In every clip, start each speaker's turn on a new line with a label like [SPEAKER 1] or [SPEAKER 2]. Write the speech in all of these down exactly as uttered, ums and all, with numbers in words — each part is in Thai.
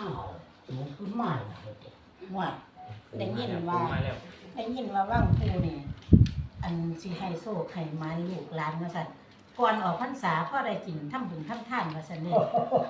[SPEAKER 1] อ้าวสูงขึ้นมาแล้วว่าได้ยิน
[SPEAKER 2] ปู
[SPEAKER 1] ว่า
[SPEAKER 2] มาแล้ว
[SPEAKER 1] ได้ยินว่าว่างปูนี่อันสิให้โซ่ไข่ไม้ลูกหลานว่าซั่นก่อนออกพรรษาพ่อได้กินทำบุญทำทานว่าซั่นนี่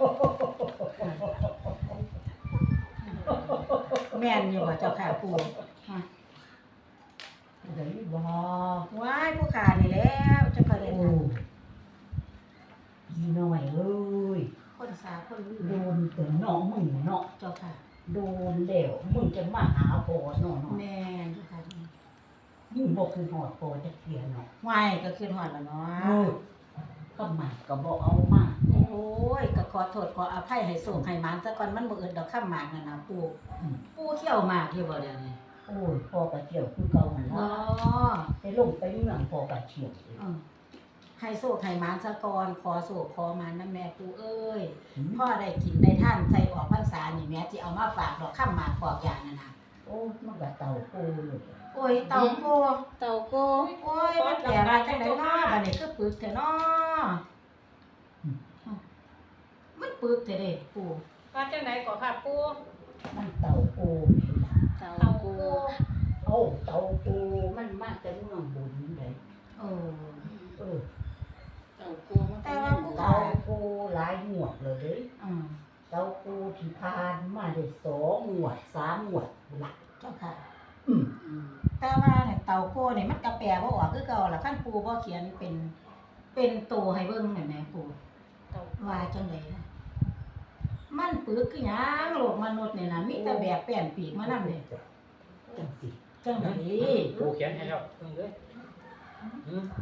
[SPEAKER 1] แม่นอยู่บ่เจ้าค่ะปู่ฮะ
[SPEAKER 3] ได้บ่
[SPEAKER 1] ว้ายผู้ขานี่แล้วเจ้าค่ะได้
[SPEAKER 3] โอ้
[SPEAKER 1] ทาน
[SPEAKER 3] ยีหน่อยเอ้ย
[SPEAKER 1] คนสาคนลือ
[SPEAKER 3] โดนแต่น้องมึงเนาะ
[SPEAKER 1] เจ้าค่ะ
[SPEAKER 3] โดนแล้วมึงจะมาหาพ่อเนาะเนาะ
[SPEAKER 1] แม่นเจ้าค่ะ
[SPEAKER 3] มึงบ่คือหอดพ่อจักเที่ยเนาะ
[SPEAKER 1] ว้ายก็คือฮอดแล้วเนา
[SPEAKER 3] เอะ อก็มาก็บ่เอามา
[SPEAKER 1] โอ้ยก็ขอโทษขออภัยให้โศกให้หมานซะก่อนมันบ่เอิดดอกข้ามหมากนั่นน่ะปู่
[SPEAKER 3] อืม
[SPEAKER 1] ปู่เขี้ยวหมากอยู่บ่เดี๋ยวนี้
[SPEAKER 3] โอ้ยพ่อก็เที่ยวคือเก่าหั่น
[SPEAKER 1] อ๋อ
[SPEAKER 3] ล่ะไปลงไปเมืองพ่อก็เที่ยว
[SPEAKER 1] อืมให้โศกให้หมานซะก่อนขอโศกขอหมานนำแม่ปู่เอ้ย
[SPEAKER 3] อืม
[SPEAKER 1] พ่อได้กินได้ท่านใส่ออกพรรษานี่แม่สิเอามาฝากดอกข้ามหมากปอกอย่างนั่นน่ะ
[SPEAKER 3] โอ้ยมันก็เต่าโอ้ย
[SPEAKER 1] โอ้ยเต่าโก
[SPEAKER 4] เต่าโก
[SPEAKER 1] โอ้ยมันแก่มาจังได๋เนาะบัดนี้คือปึกแท้เนาะมันปึกแท้เด้ปู่
[SPEAKER 4] ว่าจังไดก็ค่ะปู
[SPEAKER 3] มันเต่าโอ้ย
[SPEAKER 4] เต่าเต่าโกโก
[SPEAKER 3] เอาเต่าโอ้มันมาแต่เมืองบุญเด้
[SPEAKER 1] เออ
[SPEAKER 3] เออ
[SPEAKER 4] เต่าโกมัน
[SPEAKER 1] แต่ว่าผู้
[SPEAKER 3] เต่า
[SPEAKER 1] ขา
[SPEAKER 3] โอ้หลายงวดเลยเด้
[SPEAKER 1] อืม
[SPEAKER 3] เต้าปูที่ผ่านมาได้สองหมวดสามหมวดหลัก
[SPEAKER 1] เจ้าค่ะ
[SPEAKER 3] อืม
[SPEAKER 1] แต่ว่าเนี่ยเต่าโกนี่มันก็แปลบ่ออกคือเก่าล่ะคันปู่บ่เขียนเป็นเป็นตัวให้เบิ่งแม่แม่ปู่
[SPEAKER 4] เต่า
[SPEAKER 1] ว่าจังไดล่ะมันปึกคือหยังโลกมนุษย์นี่น่ะมีแต่แบบแป้นปีกมานำเด้
[SPEAKER 3] จังสิ
[SPEAKER 1] จังได
[SPEAKER 2] ปูเขียนให้แล้วเพิ่งเลยอืม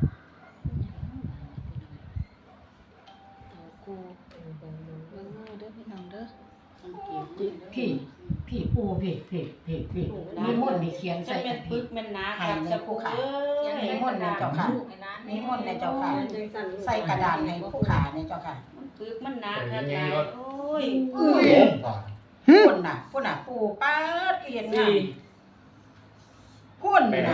[SPEAKER 4] เต่าโกเบิ่งมือเด้อพี่น้องเด้อสังเกต
[SPEAKER 1] พี่พี่ปู่พี่พี่พี่พี่มีมนต์นี่เขียน
[SPEAKER 4] จะ
[SPEAKER 1] ใส่
[SPEAKER 4] เป็น
[SPEAKER 1] กัน
[SPEAKER 4] ปึ
[SPEAKER 1] พี่
[SPEAKER 4] กแม่นนา
[SPEAKER 1] ให้
[SPEAKER 4] ครับ
[SPEAKER 1] ใน
[SPEAKER 4] จะ
[SPEAKER 1] ผู้
[SPEAKER 4] ปู
[SPEAKER 1] ขา
[SPEAKER 4] เอ้ย
[SPEAKER 1] นิมนต์นะเจ้าค่ะ นิมนต์นะเจ้าค่ะใส่กระดาษให้ผู้ขาเนี่ยเจ้าค่ะ
[SPEAKER 4] มันปึกมันหนาครับยายโอ้ย
[SPEAKER 1] อุ้ยพุ่นน่ะพุ่นน่ะปู่ป้าดเขียนงามพุ่นน่ะ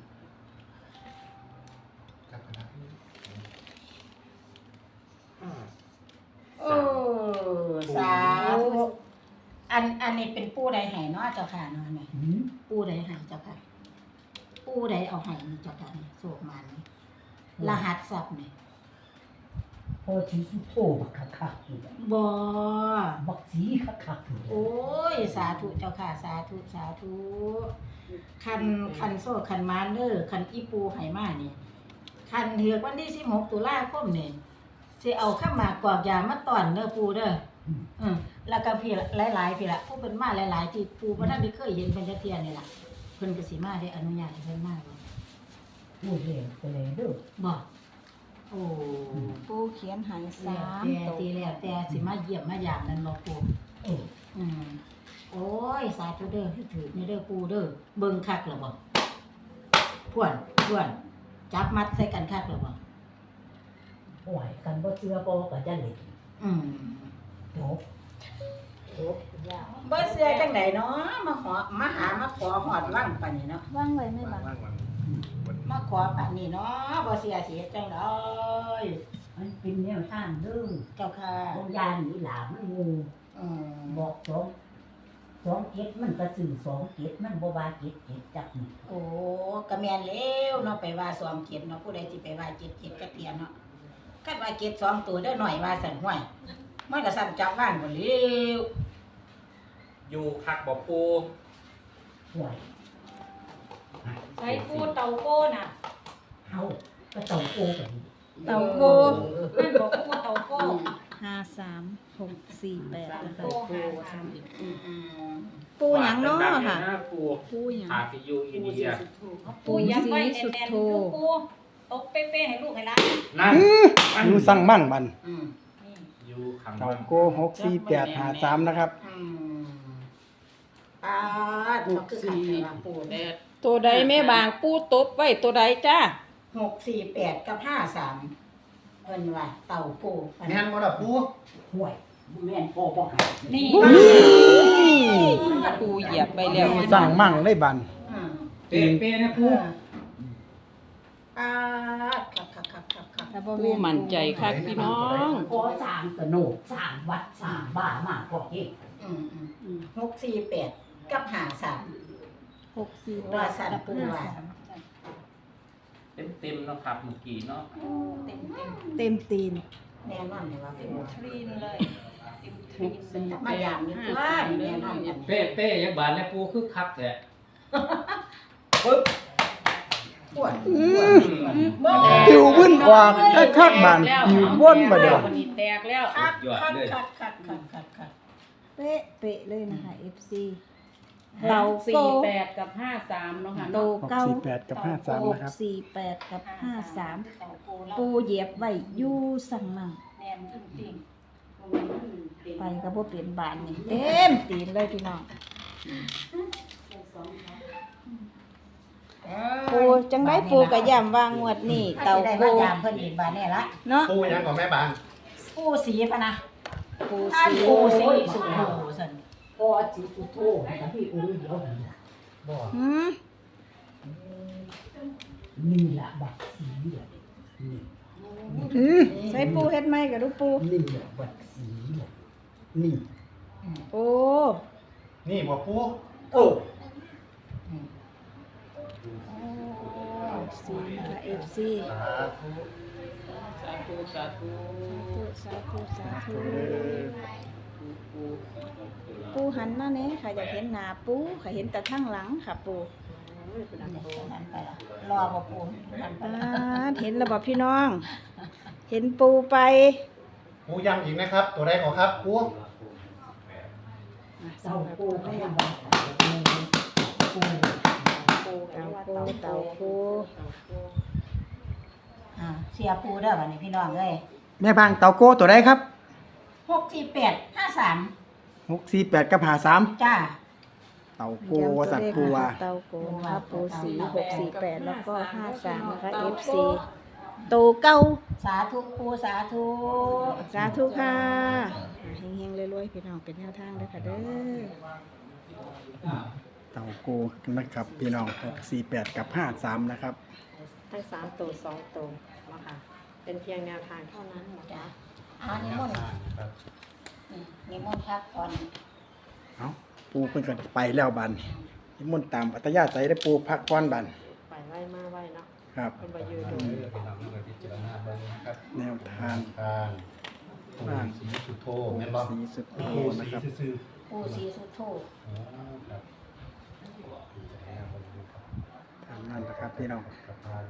[SPEAKER 2] ห้า
[SPEAKER 1] เออสาธุอันอันนี้เป็นปู่ใดให้เนาะเจ้าค่ะเนาะนี่
[SPEAKER 3] หืม
[SPEAKER 1] ปู่ใดให้เจ้าค่ะปู่ใดเอาให้นี่เจ้าค่ะนี่โศกมันนี่รหัสทรัพย์นี่
[SPEAKER 3] พอที่สุโธบักคักคักๆอยู่
[SPEAKER 1] บ่
[SPEAKER 3] บักสีคักคักๆอยู่
[SPEAKER 1] โอ้ยสาธุเจ้าค่ะสาธุสาธุคันคันโซ่คันมานเด้อคันอีปูให้มานี่คันเถือกวันที่สิบหกตุลาคมนี่สิเอาข้าวหมากกอกยามาต้อนเด้อปูเด้ออือแล้วก็พี่หลายๆพี่ละผู้เพิ่นมาหลายๆที่ปูบ่ทันได้เคยเห็นเพิ่นจักเที่ยนี่ล่ะเพิ่นก็สิมาได้อนุญาตให้เพิ่นมาบ่
[SPEAKER 3] พูดเร็วไปเลยเด้อ
[SPEAKER 1] บ่โอ้
[SPEAKER 4] ปูเขียนใหาย
[SPEAKER 1] แล้ว
[SPEAKER 4] สาม
[SPEAKER 1] แต่
[SPEAKER 4] ตัว
[SPEAKER 1] ทีแล้วแต่สิมาเยี่ยมมายามนั่นบ่ปู
[SPEAKER 3] เออ
[SPEAKER 1] อืมโอ้ยสาธุเด้อที่ถือในเด้อปูเด้อเบิ่งคักแล้วบ่พวนพวนจับมัดใส่กันคักแล้วบ่
[SPEAKER 3] โอ้ยกันบ่เชื่อบ่ก็จะเล่น
[SPEAKER 1] อืม
[SPEAKER 3] จบจบยาว
[SPEAKER 1] บ่เชื่อจังไดเนาะมาขอมาหามาขอฮอดวังปานนี้เนาะ
[SPEAKER 4] ว่างไว้ไม่บัง
[SPEAKER 2] ว่างวันวัน
[SPEAKER 1] มาขอปานนี้เนาะบ่เชื่อสิเฮ็ดจังได
[SPEAKER 3] มันเป็นแนวทางเด้อ
[SPEAKER 1] เจ้าค่ะ
[SPEAKER 3] ของยานนี่หลามันงู
[SPEAKER 1] อืม
[SPEAKER 3] บอกสองสองเจ็ดมันก็สื่อสองเจ็ดมันบ่ว่าเจ็ดเจ็ดจักนี่
[SPEAKER 1] โอ้ก็แม่นแล้วเนาะไปว่าสองเกียรติเนาะผู้ใดสิไปว่าเจ็ดเกียรติจักเทียเนาะคันว่าเกียรติสองตัวเด้อหน่อยว่าสั่นห้วยมันก็สั่นจับว่างบ่แล้ว
[SPEAKER 2] อยู่คักบอกปู
[SPEAKER 3] ห่วย
[SPEAKER 4] ใช้ปูเต่าโกน่ะ
[SPEAKER 3] เฮาก็ต้องโกกัน
[SPEAKER 4] เต่าโกนั่นบอกปูเต่าโกห้าสามหกสี่แปดนะคะ
[SPEAKER 1] โอ้โหสั่นอืม
[SPEAKER 4] ปูหยังเนาะค่ะ
[SPEAKER 2] ปู
[SPEAKER 4] ปูหยัง
[SPEAKER 2] อาซิยูอินเดีย
[SPEAKER 4] ปูยักษ์ไว้สุดโท
[SPEAKER 5] ตกเป๊ะๆให้ลูกให้หล้าน
[SPEAKER 2] นั่น
[SPEAKER 6] อยู่สั่งมั่นบัน
[SPEAKER 1] อืม
[SPEAKER 2] อยู่ขัง
[SPEAKER 6] เต่าโกหกสี่แปดหาสามนะครับ
[SPEAKER 1] อืมปาดมันคือขันแต่ว่าปูเด้อ
[SPEAKER 4] ตัวใดแม่บางปูตบไว้ตัวใดจ้า
[SPEAKER 1] หกสี่แปดกับห้าสามเพิ่นว่าเต่าปู
[SPEAKER 7] แม่นบ่ล่ะปู
[SPEAKER 3] ห่วยแม่นพ่อบ่หา
[SPEAKER 1] นี่
[SPEAKER 4] ปูเหยียบไปแล้ว
[SPEAKER 6] สั่งมั่งได้บัน
[SPEAKER 1] อืม
[SPEAKER 7] เป๊ะๆนะปู
[SPEAKER 1] ปาดคักคักคักคักคัก
[SPEAKER 4] ถ้าบ่
[SPEAKER 7] ปู
[SPEAKER 4] แม่น
[SPEAKER 7] มั่นใจคักพี่น้อง
[SPEAKER 3] ขอสร้างกระโนกสร้างวัดสร้างบ้านมากกว่าเฮ็ด
[SPEAKER 1] อืมอืมหกสี่แปดกับหาสาม
[SPEAKER 4] หกสี่แป
[SPEAKER 1] ว่า
[SPEAKER 4] ด
[SPEAKER 1] สั่น
[SPEAKER 4] กับ
[SPEAKER 1] ปู
[SPEAKER 4] ห้า
[SPEAKER 1] ว่า
[SPEAKER 4] สาม
[SPEAKER 2] เต็มเต็มๆเนาะครับเมื่อกี้เนาะ
[SPEAKER 1] เต็มเต็ม
[SPEAKER 4] เต็มตีน
[SPEAKER 1] แน่นอนเลยว่าเป็นว่า
[SPEAKER 5] ทรีนเลยเต็มท
[SPEAKER 7] ห
[SPEAKER 5] รี
[SPEAKER 7] ก
[SPEAKER 5] น
[SPEAKER 7] สี่
[SPEAKER 1] มาอย่างนี้ว่านี่แน่นอนกัน
[SPEAKER 2] เป้เป้ยังบานแล้วปูคือคักแท้
[SPEAKER 1] ปวด
[SPEAKER 6] อืม
[SPEAKER 1] บ่
[SPEAKER 6] ผิวบึ้นออกได้คักบานผิวบ้นมาเด้อ
[SPEAKER 7] วันนี้แตกแล้ว
[SPEAKER 1] คักคักคักคักคักคักคัก
[SPEAKER 4] เป๊ะเป๊ะเลยนะคะ เอฟ ซี
[SPEAKER 7] เตา
[SPEAKER 4] เตา
[SPEAKER 7] สี่
[SPEAKER 4] โก
[SPEAKER 7] แปดกับห้าสามเนาะค่ะ
[SPEAKER 4] โต
[SPEAKER 7] เนาะ
[SPEAKER 6] หก
[SPEAKER 4] เก้า
[SPEAKER 6] สี่แปดกับห้าสาม
[SPEAKER 4] หก
[SPEAKER 6] นะครับ
[SPEAKER 4] สี่แปดกับห้าสาม
[SPEAKER 5] เต่าโกแล้ว
[SPEAKER 4] ปูเหยียบไว้อยู่สั่งมั่ง
[SPEAKER 5] แนมจริง
[SPEAKER 4] ไปก็บ่เปลี่ยนบานนี่เต็มตีนเลยพี่น้องปูจังได้ปูกะย่ำวางงวดนี่
[SPEAKER 1] เตา
[SPEAKER 4] เตา
[SPEAKER 1] โก
[SPEAKER 4] โก
[SPEAKER 1] ยามเพิ่นอีกบาดนี่ละ
[SPEAKER 4] เนาะ
[SPEAKER 8] ปูยังของแม่บาง
[SPEAKER 1] ปูสีพะนะ
[SPEAKER 4] ปู
[SPEAKER 1] ถ้า
[SPEAKER 4] สี
[SPEAKER 1] ปูสีสุโธซั่น
[SPEAKER 3] พอจิตุโทกับพี่องค์เดียวนี่ล่ะ
[SPEAKER 8] บ่
[SPEAKER 4] หืม
[SPEAKER 3] นี่ล่ะบักสีเหลืองนี่
[SPEAKER 6] อืม
[SPEAKER 4] ใส่ปูเฮ็ดไหมกับลูกปู
[SPEAKER 3] นี่ล่ะบักสีเหลืองนี่
[SPEAKER 4] โอ้
[SPEAKER 8] นี่บ่ปู
[SPEAKER 3] โอ้
[SPEAKER 4] สีนะคะ เอฟ ซี
[SPEAKER 8] สาธุ
[SPEAKER 7] สาธุสาธุ
[SPEAKER 4] สาธุสาธุ
[SPEAKER 7] ปู
[SPEAKER 4] ปูหันมาเนี่ยค่ะอยากเห็นหน้าปูค่ะเห็นแต่ข้างหลังค่ะปู
[SPEAKER 1] นั่นไปละรอบ่ปูนั่นไป
[SPEAKER 4] อ่า
[SPEAKER 1] ละ
[SPEAKER 4] เห็นระบบพี่น้อง เห็นปูไป
[SPEAKER 8] ปูย้ำอีกนะครับ ตัวใดขอครับปู
[SPEAKER 3] เจ้าปูให้บักปู
[SPEAKER 4] เตาปูเตาปู
[SPEAKER 1] อ่าเสียปูเด้อบัดนี้พี่น้องเอ้ย
[SPEAKER 6] แม่บางเตาโกตัวใดครับ
[SPEAKER 1] หกสี่แปดห้าสาม
[SPEAKER 6] หกสี่แปดกับห้าสาม
[SPEAKER 1] จ้า
[SPEAKER 6] เตาโกสัตว์ปูว่า
[SPEAKER 4] เตาโกนะคะปูสีหกสี่แปดแล้วก็ห้าสามนะคะ เอฟ ซี โตเก้า
[SPEAKER 1] สาธุปูสาธุ
[SPEAKER 4] สาธุค่ะเฮงๆรวยๆพี่น้องเป็นแนวทางเลยค่ะเด้อ
[SPEAKER 6] เตาโกนะครับพี่น้องหกสี่แปดกับห้าสามนะครับ
[SPEAKER 9] ทั้งสามตัวสองตัวเนาะค่ะเป็นเพียงแนวทางเท่านั้นนะ
[SPEAKER 1] จ้า
[SPEAKER 9] คะ
[SPEAKER 1] อ่านิมนต์
[SPEAKER 8] ครับ
[SPEAKER 1] อืมนิมนต์พักก่อน
[SPEAKER 6] เอาปูเพิ่นก็ไปแล้วบันนิมนต์ตามอัตยาใจได้ปูพักก่อนบัน
[SPEAKER 9] ไปไว้มาไว้เนาะ
[SPEAKER 6] ครับ
[SPEAKER 9] เป็นบายูโด
[SPEAKER 8] เออไปนำเงินพิจารณาเบิ่งนะครับ
[SPEAKER 6] แนวทาง
[SPEAKER 8] ทางปูสีสุโธแม่นบ่
[SPEAKER 6] สีสุดโท
[SPEAKER 8] ปู
[SPEAKER 6] นะ
[SPEAKER 8] สี
[SPEAKER 6] ครับ
[SPEAKER 8] ซื่อ
[SPEAKER 1] ปูสีสุโธ
[SPEAKER 8] ๆอ๋อครับพิจารณาเบิ่งนะครับ
[SPEAKER 6] ทางนั้นนะครับพี่น้อง
[SPEAKER 8] กับทาง